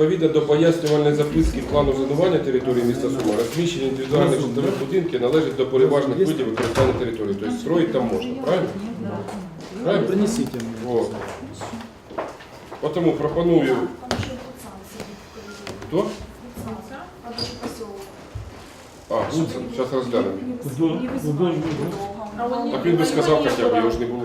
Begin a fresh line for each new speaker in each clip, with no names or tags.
Відповідно до пояснювальної записки плану зонування території міста Суми, розміщення індивідуальних житлових будинків належить до переважних видів використання території. Тобто строїть там можна, правильно? Правильно?
Принесите мне.
Вот. Потому пропоную... Кто? А, Гудсон, сейчас разглянем. Так він би сказав хотя бы, я уже не буду.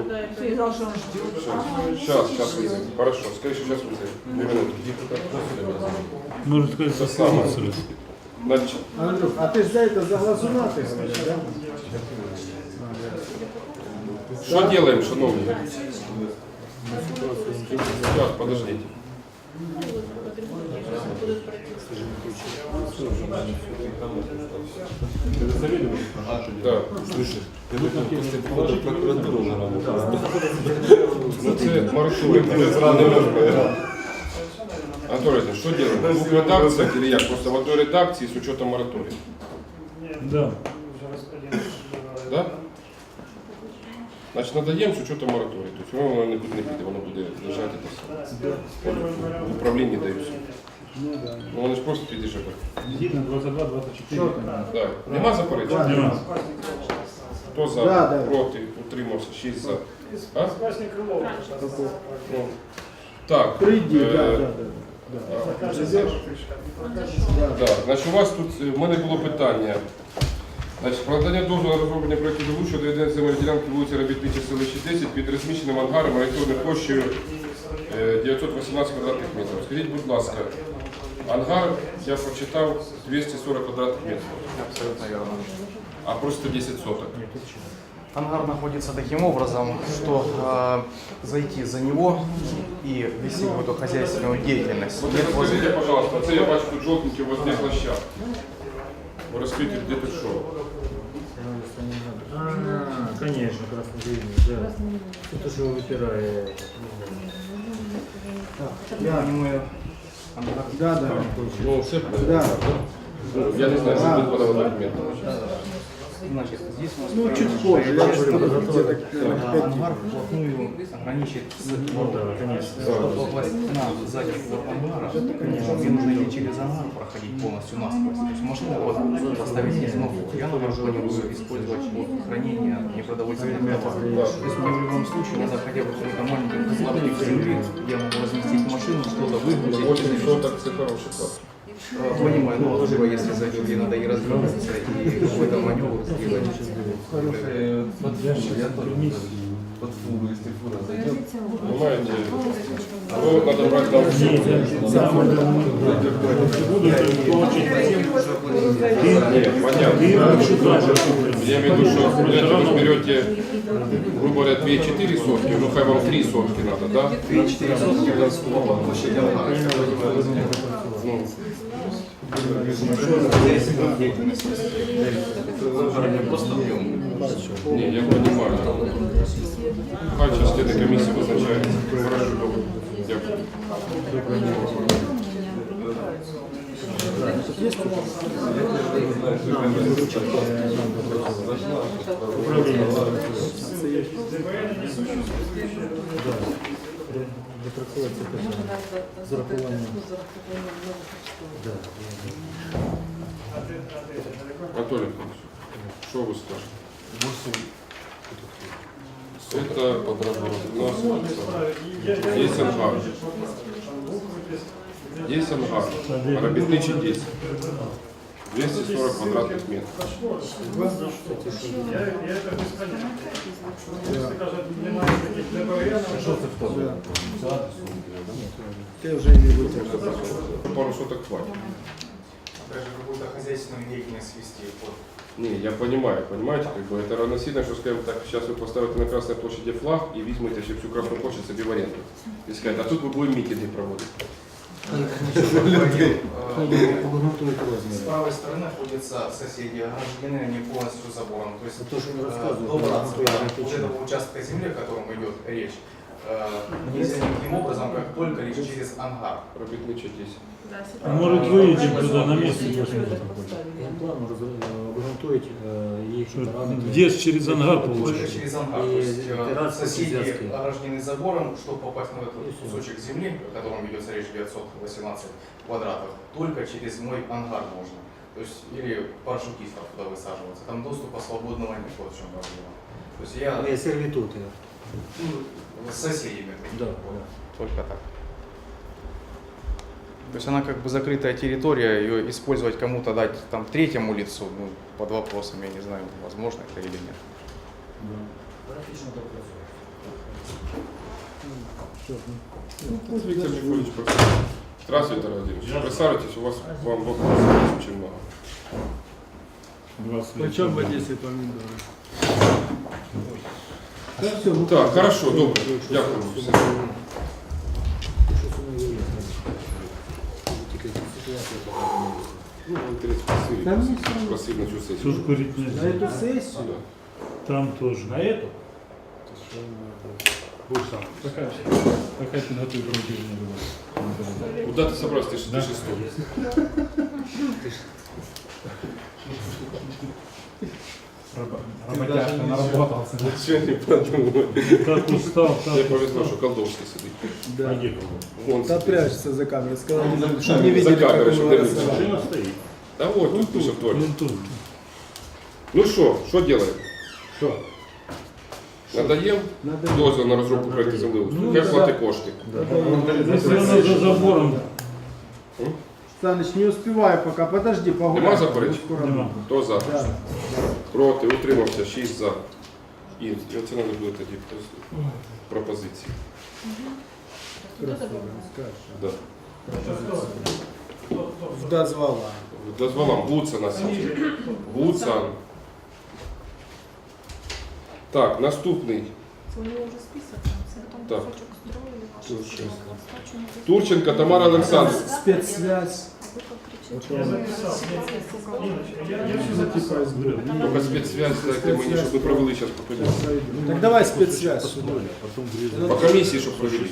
Сейчас вызовем. Хорошо, скажи, что сейчас вызовем. 2 минуты.
Может сказать,
Это самое. Значит,
Андрюх, а ты за это за глазуна ты говоришь, да?
что делаем, шановні? Сейчас, подождите. Да.
Слышишь, ты должен после прихода в прокуратуру на работу.
Ну, це мораторій. Анатолий, что делаем? В двух редакциях или як? Просто в одной редакции с учетом моратория.
Да.
Да? Значить, надаємо з учетом мораторію. Тобто воно не піде, воно буде лежати та все. В управлінні дають. Ну вони ж просто підійшли.
Згідно 22-24.
Так. Нема заперечень?
Нема.
Хто за?
Да, да.
Проти? Утримався? 6 за. А? Ну. Так.
Приди,
Да. Значить, у вас тут, в мене було питання. Значить, про надання дозволу на розроблення проєкту ДВУ щодо відведення земельної ділянки вулиці Робітничій, селищі 10 під розміщеним ангаром орієнтовною площею 918 квадратних метрів. Скажіть, будь ласка, ангар, я прочитав, 240 квадратних метрів.
Абсолютно верно.
А просто 10 соток.
Ангар находится таким образом, что зайти за него и вести какую-то хозяйственную деятельность.
Вот скажите, пожалуйста, це я бачу тут жовтенький у вас де площадка. Ви розкрийте, де тут що?
Конечно, краснозелень, да. Это что выпирает.
Мы ангар.
да.
Ну, все
Да.
Я не знаю, що тут подавати документи.
Значит, здесь у нас
Ну, чуть позже. Я же где-то
ангар вплотную граничит с
Ну да, конечно.
Чтобы попасть на задний двор ангара, конечно, мне нужно идти через ангар, проходить полностью насквозь. То есть машину вот поставить здесь, но я планирую использовать вот хранение непродовольственных товаров. То есть мне в любом случае надо хотя бы какой-то маленький клаптик земли, где я могу разместить машину, что-то выгрузить.
8 соток – це хороший клас.
Понимаю, но либо если зайду, где надо и развернуться, и какой-то маневр сделать.
Под фуру, если фура зайдет.
Понимаете? Ну, надо брать на Нет, понятно. Я имею в виду, что вы берете, грубо говоря, 2-4 сотки, ну хай вам 3 сотки надо, да?
3-4 сотки это слово площади ангара.
Ну,
Просто объем.
не, я понимаю. Хай сейчас где-то комиссия вызначается. Хорошо, добре. Дякую. Анатолий Иванович, что вы скажете? Это у нас есть ангар. Есть ангар. Робітничий 10. 240 квадратных метров.
Ты уже не вытянул.
Пару соток хватит.
Даже какую-то хозяйственную деятельность вести.
Не, я понимаю, понимаете, как бы это равносильно, что, скажем так, сейчас вы поставите на Красной площади флаг и возьмете всю Красную площадь себе в аренду. И сказать, а тут мы будем митинги проводить.
С правой стороны находятся соседи, ограждены они полностью забором. То есть
То, что он рассказывал.
добраться до вот этого участка земли, о котором идет речь, нельзя никаким образом, как только лишь через ангар.
Робітнича 10.
Может, выедем туда на месте посмотрим.
План обґрунтують їх параметри.
Где ж через ангар
Только
получится?
через ангар.
И
То есть
террасы
соседи
связки.
ограждены забором, чтобы попасть на этот кусочек земли, о котором ведется речь 918 квадратов, только через мой ангар можно. То есть или парашютистов туда высаживаться. Там доступа свободного нет, вот в чем проблема. То есть я
Є сервітути.
с соседями.
Да,
Только так. То есть она как бы закрытая территория, ее использовать кому-то дать там третьему лицу, ну, под вопросом, я не знаю, возможно это или нет.
Виктор Николаевич, здравствуйте, Тарас Владимирович. Присаживайтесь, у вас к вам вопросов очень много.
Почем в Одесі помідори? Та все, ну,
Так, хорошо, добре. Дякую. Все. Ну, интерес
Там
спросили.
есть всё равно.
Спросили на чью сессию.
Тут курить
на
нельзя.
эту сессию?
Да.
Там тоже. На эту?
Будешь сам. Какая подготовка руки
Куда ты собрался? Ты шестой.
Работяжка наработался.
Ничего не подумал.
Как устал,
Мне
так
повезло, что колдовский сидит.
Да.
Вон
Да
сидит.
прячется за камерой. Сказал,
За
что не видели,
камерой,
как
чтоб
мы
не
голосовали.
Машина стоит.
Да вот, тут пишет в туалет.
Вон тут.
Ну что делаем?
Что?
Надаем
Надо-
дозвіл на розробку проекту землеустрою.
Ну,
Хай
да.
платить кошти.
Если она за забором,
Саныч, не успеваю пока. Подожди, погуляй.
Нема заперечень?
нема.
Хто за?
Да.
Проти, утримався, 6 за. І оце треба буде тоді пропозиції.
Красиво, скажешь.
Да.
Дозвала.
Дозволам Гуцан на сіті. Гуцан. Так, наступний.
У него уже список, там,
Так.
кусочек строили, ваши
Тут
строили,
шесть.
остачу не
Турченко Тамара Олександрівна.
Спецсвязь.
вы как кричите,
Я
что вы
написал.
рассекаете.
все записал.
Тільки спецсвязь дайте мені, щоб ми провели зараз по комісії.
Так давай спецсвязь сюда.
По комісії, щоб провели.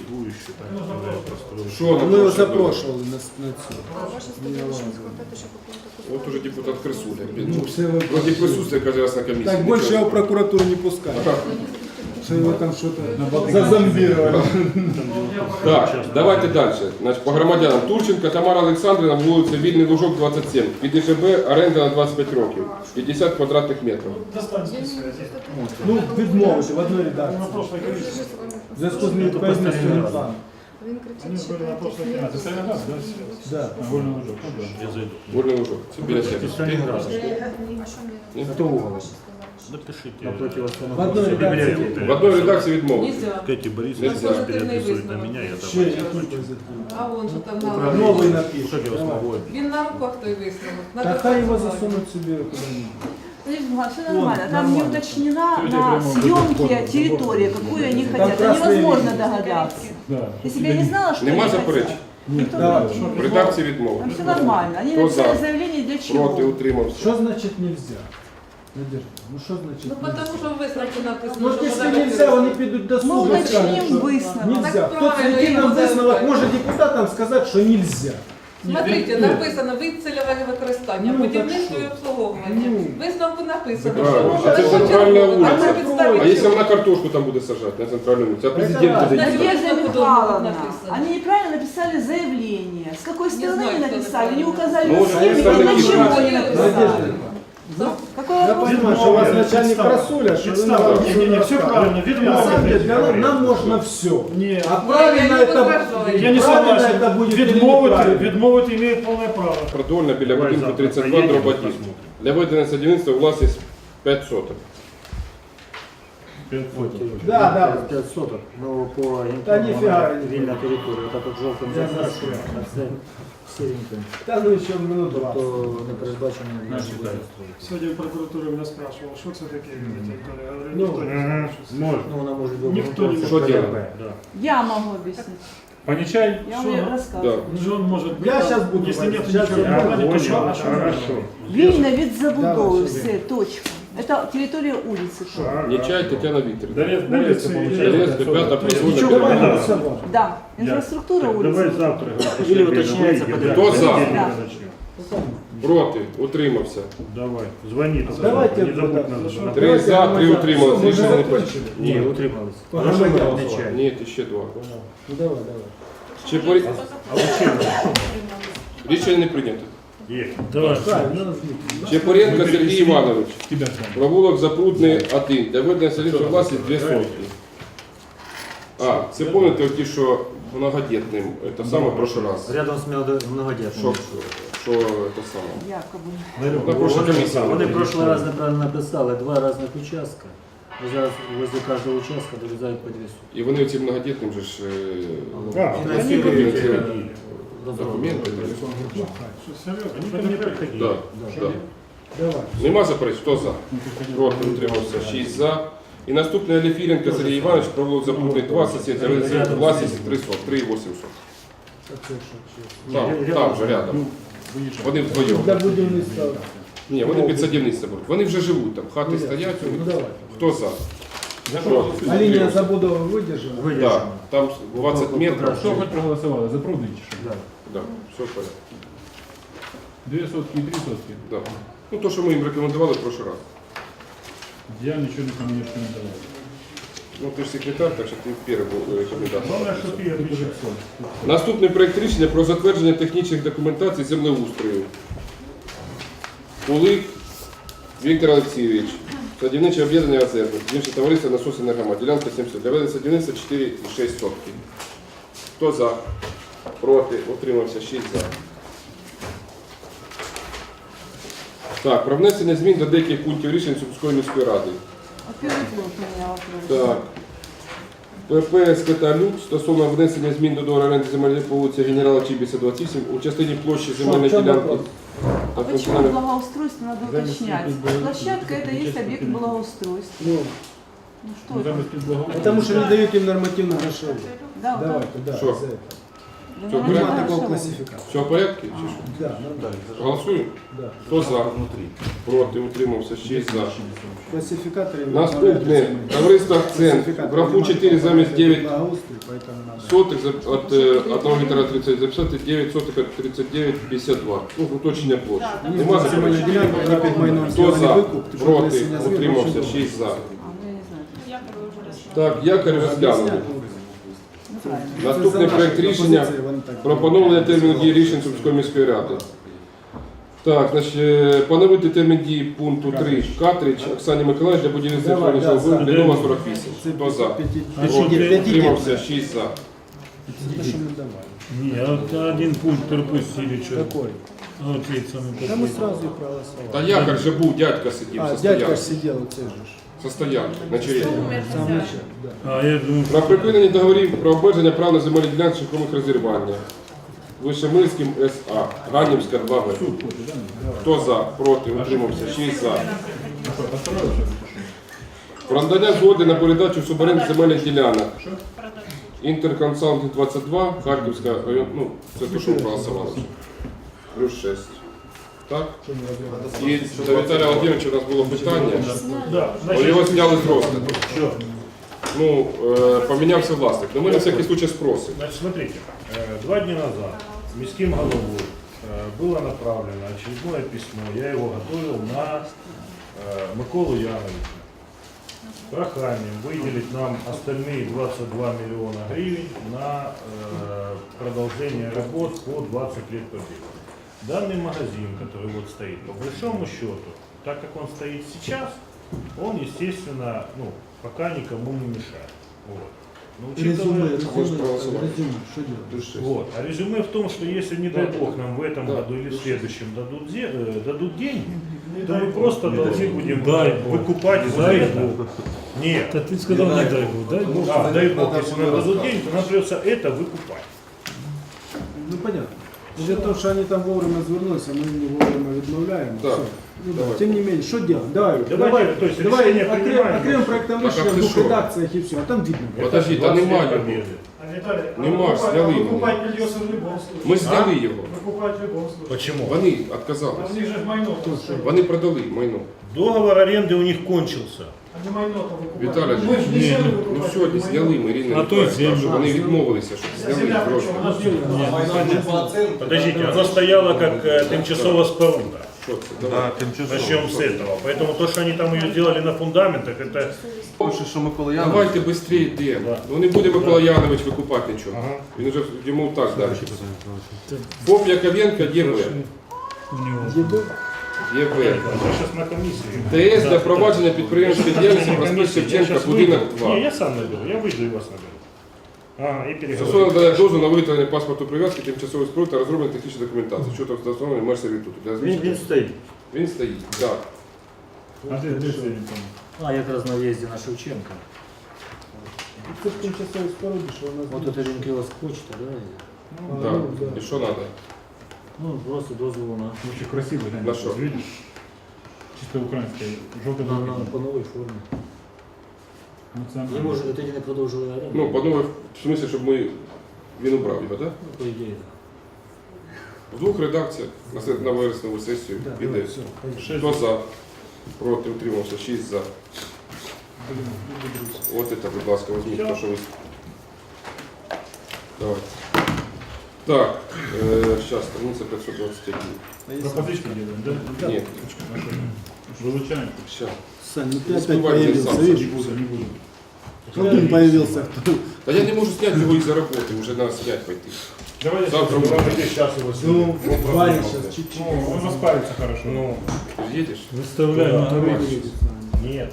Що
Мы его
нам?
запрошивали на цю.
А ваши студенты не хватает еще какого-то кусочка.
От уже депутат Крисуля.
Ну, все вы-
Вроде присутствие каждый раз на комиссии.
Так больше его в прокуратуру не пускают. Что его там что-то зазомбировали.
Так, давайте далі. Значить, по громадянам. Турченко Тамара Олександрівна, вулиця Вільний Лужок, 27. Під ІЖБ оренда на 25 років. 50 квадратних метрів.
Достань спецсвязи.
Ну, відмовити в одной редакції.
На прошлой
Вы же
комиссии.
с вами
В зв'язку з невідповідністю плану.
Він
Они
кричить,
были на прошлой комиссии.
Ты сами раз, да?
Да.
Больно уже. Я зайду.
Вільний Лужок. Це біля себе.
А что мне?
Ні?
Кто угол?
Напишите.
В одной редакції.
В одній редакції відмовити.
Нельзя.
Кэти Борис
Нельзя.
переписывает на меня, я
Ще
А он что там на
новий напишет.
Как я вас
Давай.
могу?
Він на руках той висновок.
Да хай его засунуть себе куда-нибудь.
Все нормально. Там не уточнена
Люди
на
прямо
съемке территория, какую они хотят. Это
красные
невозможно
линии.
догадаться.
Да.
Если бы я не знала, что
Нема
они
заперечень?
хотят. Никто
Да.
не-
В редакції
Там
відмовити.
все нормально. Они
Кто
написали
за?
заявление для чего?
Проти, утримався.
Что значит нельзя? Надежда, ну что значит
Ну
нельзя?
потому що в висновку написано,
Ну,
що
если
подавати
нельзя,
висновок.
они придут до
Мы
суда. и скажут,
уточним
что
выяснено.
Нельзя.
Так
Кто
правильно,
зайти нам
им
выяснилок,
задавать.
может депутатам сказать, что нельзя.
Смотрите, написано вид цільове використання,
Ну,
будівництво і
так
обслуговування.
Ну.
Висновку написано,
Правильно.
що
Це
може
центральна
почергово,
вулиця.
на підставі
А якщо
чого?
вона картошку там буде сажати на центральному вулиці, а президент
Так,
буде
Надежда
їхати?
Надежда
Художник
Михайловна,
написано.
они неправильно написали заявление. С какой стороны
знаю,
они
кто
написали, не
написал.
указали
Ну,
на
вот
схеме,
представники
для чего
власти.
они написали.
Надежда,
Какой
я
вопрос?
понимаю, что у вас начальник просуля, что вы нам
Не, все правильно,
На самом деле, для нас, нам можно все.
Не,
А правильно
я не
это,
возражаю.
я не
правильно
согласен.
это будет или
Відмовити,
неправильно?
відмовити имеет полное право.
Продольна біля
Давай
будинку
завтра
32
поїдемо,
дроб 1.
посмотрим.
Для ведення садівництва власність 5 соток.
Да, да.
5 соток, но по
Да нифига.
вільна територія, так от жовтим
Я
закрашено,
знаю.
а це сіреньким,
Да ну еще минут 20.
то не передбачено
Наші
наші
Сьогодні в прокуратурі мене спрашивав, що це таке, я говорю,
Ну,
ніхто не знає, що це.
Можно. Ну, вона може бути.
Ніхто не
Що
може.
делать?
Да.
Я могу объяснить.
Понечай,
Я
що?
вам
Да.
рассказываю.
Джон може бути.
Я сейчас буду.
Якщо нет
Сейчас
нічого
я
в плані, то що?
Хорошо.
Вільна від забудови,
Давай,
все, точка. Это территория улицы.
Нечай Тетяна Вікторівна.
Улицы,
Донецька, п'ята
Ничего,
произвольна.
давай голосовать.
Да, инфраструктура
Давай
улицы.
завтра.
Или уточняется
Хто за?
Да.
Проти? Утримався.
Давай, звони.
Давайте,
не забудь
да.
надо.
3 за, 3 утрималися.
Все,
Рішення
мы
не
закончили.
прийнято.
Не, утрималось.
Погромадян.
Ні, ще 2.
Ну давай, давай.
Рішення не прийнято.
Давай.
Чепуренко Сергій Іванович. Провулок Запрудний 1. Для ведення селищної власності 2 сотки. А, це пам'ятаєте ті, що многодітним, це саме в прошлый раз.
Рядом з многодітним.
Що це саме?
Якобы.
На прошлій комісії.
Вони в прошлый раз неправильно написали, 2 різних участка. І зараз возле кожного участка дорізають по 2 сутки.
І вони ці многодітним же ж
Фінансують
документи.
Что, серьезно? Они ко мне приходили.
Да, да.
Давай.
Нема заперечень? Хто за? Проти утримався 6 за. І наступний Аліфіренко Сергій Іванович, провулок Запрудний 2, сусід, власність 3,800. Там же рядом. Вони вдвоєм.
Для будівництва.
Ні, вони під садівництво беруть. Вони вже живуть там, хати стоять. у них.
Ну давай.
Хто за? Проти.
А линия забудова выдержана?
Да, там 20 метрів.
Що хоч проголосували? За Прудний чи що?
Да, все в порядку.
2 сотки і 3 сотки.
Да. Ну, то, що ми їм рекомендували в прошлый раз.
Я нічого не рекомендував.
Ну, ти ж секретар, так що ти перший був рекомендатор.
Главное, что ты отвечаешь.
Наступний проект рішення про затвердження технічних документацій землеустрою. Кулик Віктор Олексійович, садівниче об'єднання АЗЕР, садівниче товариство «Насос Енергома», ділянка 70, для ведення садівництва 4,6 сотки. Хто за? Проти? Утримався 6 за. Так, про внесення змін до деяких пунктів рішень Сумської міської ради.
Первый блок у меня вопрос.
Так. ПП «Скоталюк» стосовно внесення змін до договору оренди земель по вулиці Генерала Чібіса, 28 у частині площі земельної
Що, в чому
ділянки.
вопрос?
А почему благоустройство надо уточнять? Площадка это есть объект благоустройства.
Ну,
Ну что это?
потому что не дают им нормативных решений.
Да,
Давай
да.
туда.
Что?
за это.
Все,
Да,
порядок?
Нема такого
хорошо.
классификации.
Все в порядку? Чи що?
Да, нормально.
Голосуємо?
Да.
Хто за? Проти? Утримався 6 за.
Классификаторы.
Наступне. Товариство «Акцент». В графу 4 замість 9
Благоустрой, поэтому надо.
сотих от 1 гектара 30 записати 9 сотих от 39,52. Ну, уточнення площі. Нема
Земельная
заперечень?
делянка, она перед майном
Хто
сделали
за?
выкуп, ты что,
Проти?
внесення змін,
Утримався
очень
6 за.
А, ну я не знаю.
Так, якорь розглянули.
Ну, правильно.
Наступний проект рішення про поновлення терміну дії рішень Сумської міської ради. Так, значить, поновити термін дії пункту 3. Картридж Оксані Миколаївні для будівництва
Давай,
інформаційного
да,
виробу Лідова 48. Хто за? Проти? Утримався 6 за.
Не, а вот один пункт пропустили. Что?
Какой?
Вот ведь самый
Да мы
последний.
сразу и проголосовали.
Та якорь же був, дядька сидів,
А,
со
дядька
стоянки.
ж сидел, вот же.
Со стоянки, на черзі.
Сам начал, да.
А я думаю,
Про припинення договорів про обмеження прав на земельні ділянки шляхом розірвання. Вишемирським СА, Ганівська 2В. Хто за? Проти? Утримався 6 за. Про надання згоди на передачу в суборенду земельних ділянок. Інтерконсалтинг 22, Харківська район, ну, це те, що ми проголосували вже. Плюс 6. Так? І до Віталія Володимировича у нас було питання.
да,
Але його зняли з розгляду. Ну, помінявся власник. Но ми на всякий случай спросимо.
Значит, смотрите, 2 дня назад міським головой было направлено очередное письмо, я его готовил на Миколу Яновича. Проханием выделить нам остальные 22 миллиона гривен на продолжение работ по 20 лет победы. Данный магазин, который вот стоит, по большому счету, так как он стоит сейчас, он, естественно, ну, пока никому не мешает. Вот. Но учитывая-
Что делать?
Вот. А резюме в том, что если, не дай бог, нам в этом году или в следующем дадут деньги, то мы просто должны будем выкупать дай бог. Нет.
да ты сказал, не дай бог, дай бог.
А, дай бог, если нам дадут деньги, то нам придется это выкупать.
Ну понятно. Из-за того, что они там вовремя звернулись, а мы не вовремя відмовляємо.
Да.
Все. Ну, да.
Давай.
Тем не менее, что делать? Давай,
Давайте, то есть решение принимаем.
окрем проектом
Так,
решения
а
в
ты
двух
шо?
редакциях и все, а там видно.
Подожди, та
20 лет
немає.
победы.
Виталий,
Нема, сняли его.
выкупать придется в любом случае.
Ми зняли його.
Выкупать в любом случае.
Почему?
Вони
А
відказались.
у них же майно.
Вони продали майно.
Договор аренды у них кончился.
Они майно-то выкупают.
Виталий,
Мы же не землю
ну
выкупать,
сьогодні
майно.
зняли ми, Ірина
А то й
Ніколаївна,
землю.
що вони відмовилися, щоб
А
зняли
земля
гроші.
причем? Она же
Подождите, оно стояло как тимчасовая споруда.
Що це? Давай.
Начнем с этого. Поэтому то, что они там ее сделали на фундаментах, это...
Пише, що Микола Янович.
Давайте швидше йдемо.
Да.
Ну не буде Микола Янович викупати нічого.
Ага.
Він вже йому так далі. ФОП Яковенко ЄВ. ЄВ.
Я сейчас на комиссии.
ТС для провадження підприємської діяльності проспект Шевченка, будинок
Не,
2.
я сам найду. Я выйду и вас наберу. Ага, и
Стосовно
переговорю.
надання дозволу на виготовлення паспорту прив'язки тимчасової споруди та розроблення технічної документації щодо встановлення меж сервітуту. Для
Він
розміщення-
стоїть.
Він стоїть, так.
А де це він там?
А, якраз на в'їзді на Шевченка.
Це ж тимчасові споруди, що у нас...
Вот это ринкилась почта, да?
А,
Так.
ну, да.
І що треба?
Ну, просто дозволу на,
Очень красивий, глянь.
На що?
Видиш? Чисто українське, жовте
по новій формі. Ви
Ну,
можете тоді не продовжили оренду?
Ну, по новій, в смислі, щоб він убрав його, так?
Ну, по ідеї.
В двох редакціях на вересневу сесію піде.
Шесть.
Хто за? Проти, утримався, 6 за. От це, будь ласка, візьміть, то, що ви... Давайте. Так, зараз, страниця 521.
Пропозицію робимо, да?
Ні,
Вилучаємо.
зараз.
Сань, ну ты
Успевай,
опять появился,
сам,
видишь?
Не буду, не буду.
Колдун появился.
Та я не можу зняти його із-за роботи, вже треба снять пойти.
Давай я
Завтра
сейчас,
мы-
сейчас его
Ну,
сниму.
Ваня сейчас чуть-чуть.
Ну, он распарится хорошо.
Ну,
Ти їдеш?
Виставляємо
Да,
на
давай.
ринок.
нет.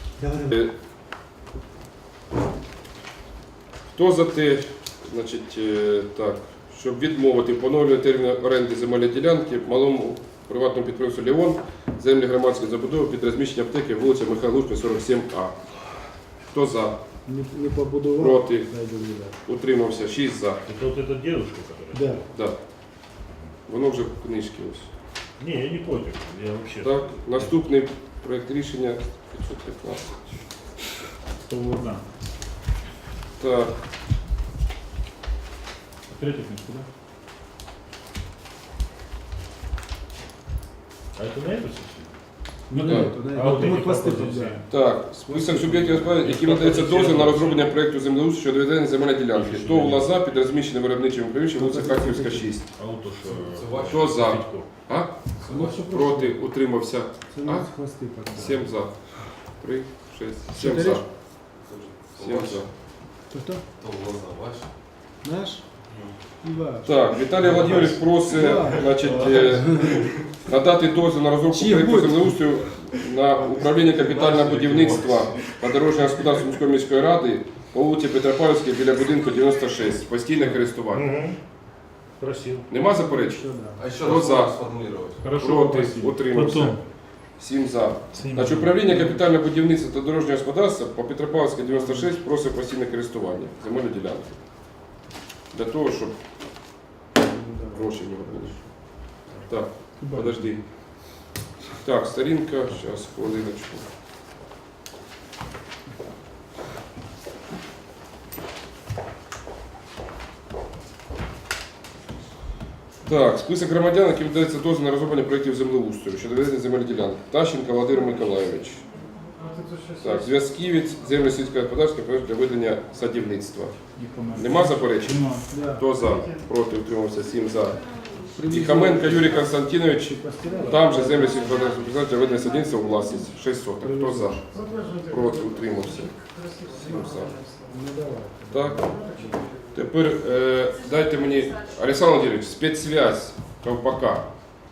Хто за те, значить, так, щоб відмовити поновлення терміну оренди земельної ділянки малому приватному підприємству «Леон» землі громадської забудови під розміщення аптеки вулиця Михайла Лужка, 47А. Хто за?
Не побудував.
Проти?
Найду, да.
Утримався, 6 за.
Это вот эта девушка, которая...
Да.
Да. Воно вже в книжці ось.
Не, я не против. Я вообще...
Так, наступний проєкт рішення 515.
Одна.
Так,
Третя книжка, да?
А это на эту сессию?
Ну,
да.
А вот
Мы
эти
хвосты
пропозиции?
подбираем.
так, список суб'єктів господарювання, яким надається дозвіл на розроблення проєкту землеустрою щодо ведення земельної ділянки. ТОВ «Лоза» під розміщеним виробничим приміщенням вулиця Харківська, 6.
А вот то, что...
Хто за?
Федько.
А? Проти, утримався.
Це у нас хвости подбираем.
7 за. 3, 6, 7 за. 7 за.
Кто? Наш? Ваш.
Так, Віталій Володимирович просить, значить, надати дозвіл на розробку
Чиї
проєкту
будуть?
землеустрою на управління капітального будівництва та дорожнього господарства міської міської ради по вулиці Петропавлівській біля будинку 96. Постійне користування.
Мгм. Красиво.
Нема заперечень?
Що, да.
А ще
Хто
раз
за?
сформулювати.
Хорошо,
Проти,
красиво.
утримався.
Потім.
7 за. Значить, управління капітального будівництва та дорожнього господарства по Петропавлівській 96 просить постійне користування земельної ділянки. Для того, щоб гроші в нього були. Так, подожди. Так, сторінка, зараз, хвилиночку. Так, список громадян, яким дається дозвіл на розроблення проєктів землеустрою щодо ведення земельної ділянки. Тащенко Володимир Миколайович. Так, зв'язківець, землі сільського господарства для ведення садівництва. Нема заперечень?
Нема.
Да.
Хто за? Проти, утримався, 7 за. І Хаменко Юрій Константинович, там же землі сільського господарства для ведення садівництва у власність. 6 соток. Хто за? Проти, утримався. 7 за.
Ну давай.
Так. Тепер дайте мені, Олександр Владимирович, спецсвязь Ковпака.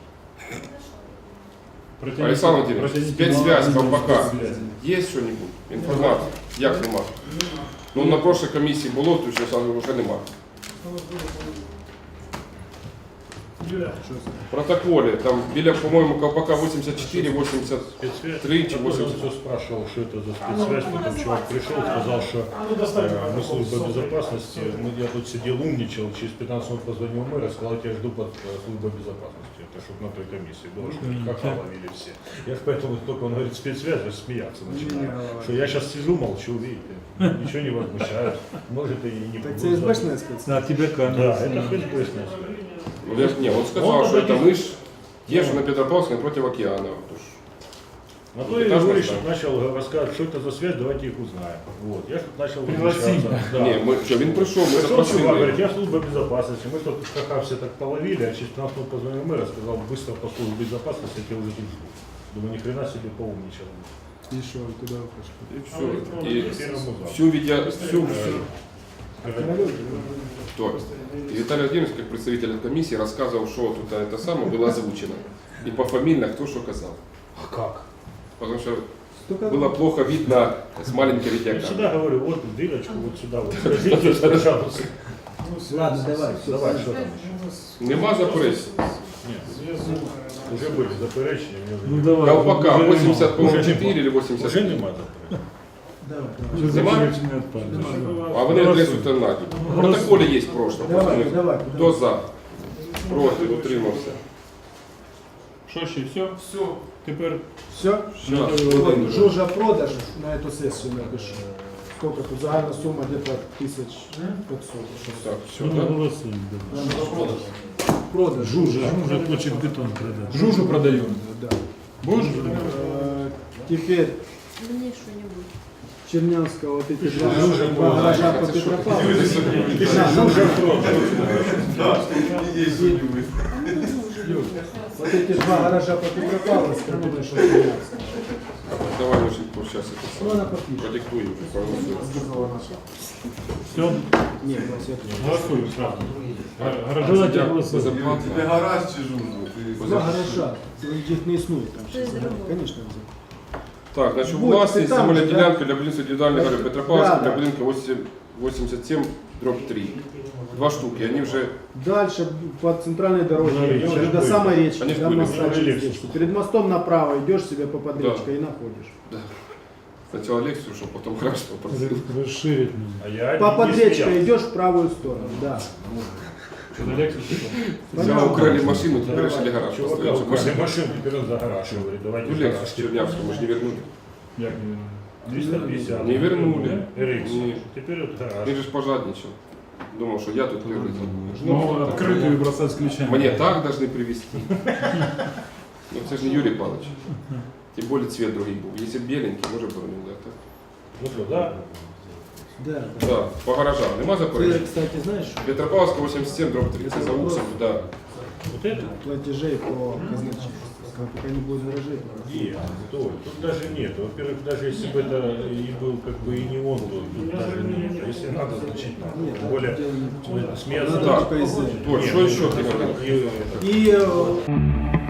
Олександр Владимирович, спецсвязь Ковпака. Є що-небудь? Інформація? Як нема? Ну на прошлій комісії було, то зараз вже нема. В протоколе, там, біля, по-моему, колпака 84, 83 чи
Я
80.
все спрашивал, что это за спецсвязь, потом чувак пришел, сказал, что мы служба безопасности, я тут сидел, умничал, через 15 минут позвонил мэр и сказал, я тебя жду под службой безопасности. Это чтобы на той комиссии было, что ха-ха ловили все. Я ж поэтому только он говорит спецсвязь, аж смеяться начинаю. Что я сейчас сижу, молчу, видите, ничего не возмущаюсь, может и не
Так
буду.
це СБшная спецслужба?
А тебе
Да,
камера.
это ФСБшная связь.
Ну, не, он сказал, что это мы ж езжу на Петропавловск напротив океана.
А то я говорю, что начал рассказывать, что это за связь, давайте их узнаем. Вот. Я тут начал возмущаться. Да.
Не, мы, что, він прийшов, ми
Пришел чувак,
запросили.
говорит, я служба безопасности, мы тут ха-ха все так половили, а через 15 минут позвонил мэр и сказал, быстро по службе безопасности, я тебя уже тут жду. Думаю, ни хрена себе поумничал.
И что, куда вы пошли?
И все. И
Теперь ему за.
всю всю.
Королёв?
То. И Виталий Владимирович, как представитель комиссии, рассказывал, что тут это самое было озвучено. И пофамильно кто что сказал.
А как?
Потому что
Столько...
было плохо видно с маленькой
Я
видеокамеры.
всегда говорю, вот дырочку, вот сюда, вот скажите, пожалуйста.
Ладно, давай, все.
Давай, что там еще?
Нема заперечень.
Нет, уже были заперечения, мне уже
Ну
не-
давай.
Колпака
уже
80, по-моему,
Уже
4 или
Уже
83.
нема заперечень.
Давай,
Уже
Нема?
заключення відпадає.
А вони адресу-то наді. В протоколі є прошлое.
давай, давай.
Хто за? Проти, утримався.
Що ще, все? Все. Тепер
Все?
Да.
Жужа продаж на эту сессию напишу. Сколько тут загальна сума где-то 1500.
Так, все,
Ну,
да?
голосуємо. да.
Продаж.
Жужа хоче бетон продати.
Жужу продаем.
Да.
Будешь?
Теперь
Мне что-нибудь.
Чернявского вот эти два гаража по Петропавловску. Вот эти два гаража по Петропавловску, думаю, что Чернявского.
Давай лучше сейчас
Ну, она подпишет.
продиктуй уже, проголосуем.
Все,
Нет, все
Голосуємо сразу.
давайте
Дякую.
голосуємо.
Заплатили.
Тебе гараж чи жужу?
Два гаража. Их не існує там.
То есть другое.
Конечно.
Так, значить,
Будет,
власність
ти там
земельної
же,
ділянки для будівництва індивідуальних гаражів Петропавловська
Да,
для
да.
будинку 87/3. Два штуки, они вже
Дальше по центральной дороге,
Они
уже
же
до
были.
самой речки,
Они же
до
были,
моста
уже
через
легче.
речку. Перед мостом направо идешь себе по подречкой и находишь.
спочатку лекцію, щоб потім гараж попросили.
Розширить
А я
По
не
подречкой
смеялся.
идешь в правую сторону, да.
Що за лекцію?
Взяли, украли машину, теперь решили гараж
Чувака
поставить. чтобы
украли
машину-
машину, теперь он за гараж говорит, давайте
Ну,
в
лекцию
гараж.
с Чернявского мы же не вернули.
Як не
350.
Не вернули.
RX.
Не.
Теперь вот гараж.
Він же ж пожадничал. Думал, что я тут первый.
Ну, відкритою бросати з ключами.
Мне так должны привезти. Ну, это же не Юрий Павлович. Тем более цвет другой был. Если б беленький, может быть, да, так.
Ну что, да?
Да.
Да, по гаражам. Нема
Ты,
заперечень?
кстати, знаешь,
Петропавловска 87/3. Це за Уксом, да.
Вот это?
платежей по казначейству. Пока не будет гаражей.
Нет, стой, тут даже нет. Во-первых, даже если бы это и был как бы и не он был, тут даже нет. Если надо, значит надо.
Нет,
Тем более, смеяться.
Надо
Да.
только из-за.
Вот, что еще ты говорил?
И это,
И